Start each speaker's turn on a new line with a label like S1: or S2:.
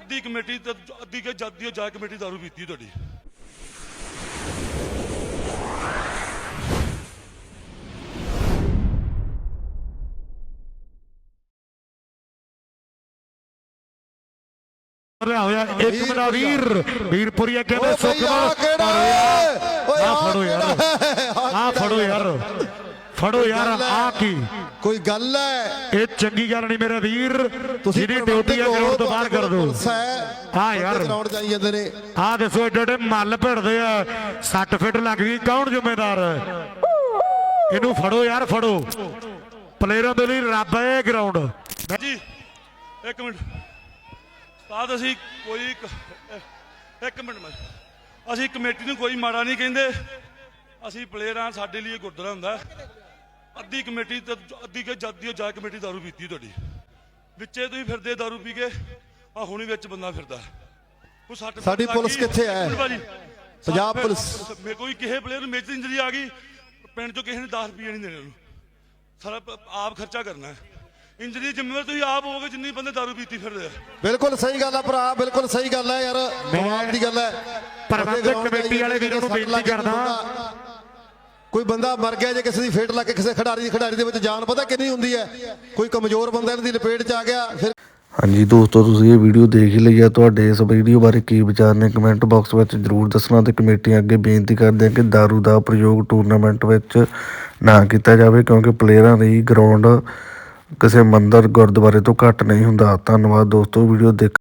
S1: ਅੱਧੀ ਕਮੇਟੀ ਤੇ ਅੱਧੀ ਕੇ ਜੱਦੀ ਜਾ ਕਮੇਟੀ ਦਾਰੂ ਪੀਤੀ ਤੁਹਾਡੀ।
S2: ਹੋਇਆ ਇੱਕ ਮੇਰਾ ਵੀਰਪੁਰੀ ਅੱਗੇ ਮੈਂ ਸੁਖਮਨ ਫੜੋ ਯਾਰ ਆ ਕੀ
S3: ਕੋਈ ਗੱਲ ਹੈ?
S2: ਇਹ ਚੰਗੀ ਗੱਲ ਨਹੀਂ ਮੇਰੇ ਵੀਰ, ਜਿਹਦੀ ਡਿਊਟੀ ਹੈ ਗਰਾਊਂਡ ਤੋਂ ਬਾਹਰ ਕਰ ਦੋ। ਹਾਂ ਯਾਰ
S3: ਗਰਾਊਂਡ ਜਾਈ ਜਾਂਦੇ ਨੇ।
S2: ਆਹ ਦੱਸੋ ਏਡੇ ਏਡੇ ਮੱਲ ਭਿੜਦੇ ਆ, 60 ਫਿੱਟ ਲੱਗ ਗਈ, ਕੌਣ ਜ਼ਿੰਮੇਦਾਰ ਹੈ? ਇਹਨੂੰ ਫੜੋ ਯਾਰ, ਫੜੋ। ਪਲੇਅਰਾਂ ਦੇ ਲਈ ਰੱਬ ਹੈ ਇਹ ਗਰਾਊਂਡ
S1: ਜੀ। ਇੱਕ ਮਿੰਟ ਸਾਧ, ਅਸੀਂ ਕੋਈ ਇੱਕ ਮਿੰਟ ਅਸੀਂ ਕਮੇਟੀ ਨੂੰ ਕੋਈ ਮਾੜਾ ਨਹੀਂ ਕਹਿੰਦੇ। ਅਸੀਂ ਪਲੇਅਰਾਂ, ਸਾਡੇ ਲਈ ਗੁਰਦੁਆਰਾ ਹੁੰਦਾ। ਅੱਧੀ ਕਮੇਟੀ ਤੇ ਅੱਧੀ ਕੇ ਜੱਦੀ ਜਾ ਕਮੇਟੀ ਦਾਰੂ ਪੀਤੀ ਤੁਹਾਡੀ। ਵਿੱਚੇ ਤੁਸੀਂ ਫਿਰਦੇ ਦਾਰੂ ਪੀ ਕੇ, ਆ ਹੁਣੀ ਵਿੱਚ ਬੰਦਾ ਫਿਰਦਾ।
S3: ਸਾਡੀ ਪੁਲਿਸ ਕਿੱਥੇ ਹੈ? ਪੰਜਾਬ ਪੁਲਿਸ
S1: ਕੋਈ ਕਿਸੇ ਪਲੇਅਰ ਨੂੰ ਮੇਜਰ ਇੰਜਰੀ ਆ ਗਈ, ਪਿੰਡ ਚੋਂ ਕਿਸੇ ਨੇ 10 ਰੁਪਏ ਨਹੀਂ ਦੇਣੇ ਉਹਨੂੰ, ਸਾਰਾ ਆਪ ਖਰਚਾ ਕਰਨਾ ਹੈ। ਇੰਜਰੀ ਜ਼ਿੰਮੇਵਾਰ ਤੁਸੀਂ ਆਪ ਹੋਵੋਗੇ ਜਿੰਨੀ ਬੰਦੇ ਦਾਰੂ ਪੀਤੀ ਫਿਰਦੇ ਆ।
S3: ਬਿਲਕੁਲ ਸਹੀ ਗੱਲ ਹੈ ਭਰਾ, ਬਿਲਕੁਲ ਸਹੀ ਗੱਲ ਹੈ ਯਾਰ, ਕਮਾਲ ਦੀ ਗੱਲ ਹੈ।
S2: ਪ੍ਰਬੰਧਕ ਕਮੇਟੀ ਵਾਲੇ ਵੀਰਾਂ ਨੂੰ ਬੇਨਤੀ ਕਰਦਾ,
S3: ਕੋਈ ਬੰਦਾ ਮਰ ਗਿਆ ਜੇ ਕਿਸੇ ਦੀ ਫੇਟ ਲੱਗ ਕੇ ਕਿਸੇ ਖਿਡਾਰੀ ਦੇ ਵਿੱਚ ਜਾਨ ਪਤਾ ਕਿੰਨੀ ਹੁੰਦੀ ਹੈ। ਕੋਈ ਕਮਜ਼ੋਰ ਬੰਦਾ ਇਹਨਾਂ ਦੀ ਲਪੇਟ 'ਚ ਆ ਗਿਆ ਫਿਰ।
S4: ਹਾਂਜੀ ਦੋਸਤੋ, ਤੁਸੀਂ ਇਹ ਵੀਡੀਓ ਦੇਖ ਹੀ ਲਈ ਆ। ਤੁਹਾਡੇ ਇਸ ਵੀਡੀਓ ਬਾਰੇ ਕੀ ਵਿਚਾਰ ਨੇ ਕਮੈਂਟ ਬਾਕਸ ਵਿੱਚ ਜ਼ਰੂਰ ਦੱਸਣਾ। ਤੇ ਕਮੇਟੀਆਂ ਅੱਗੇ ਬੇਨਤੀ ਕਰਦੇ ਆ ਕਿ ਦਾਰੂ ਦਾ ਪ੍ਰਯੋਗ ਟੂਰਨਾਮੈਂਟ ਵਿੱਚ ਨਾ ਕੀਤਾ ਜਾਵੇ, ਕਿਉਂਕਿ ਪਲੇਅਰਾਂ ਲਈ ਗਰਾਊਂਡ ਕਿਸੇ ਮੰਦਰ ਗੁਰਦੁਆਰੇ ਤੋਂ ਘੱਟ ਨਹੀਂ ਹੁੰਦਾ। ਧੰਨਵਾਦ ਦੋਸਤੋ ਵੀਡੀਓ ਦੇਖ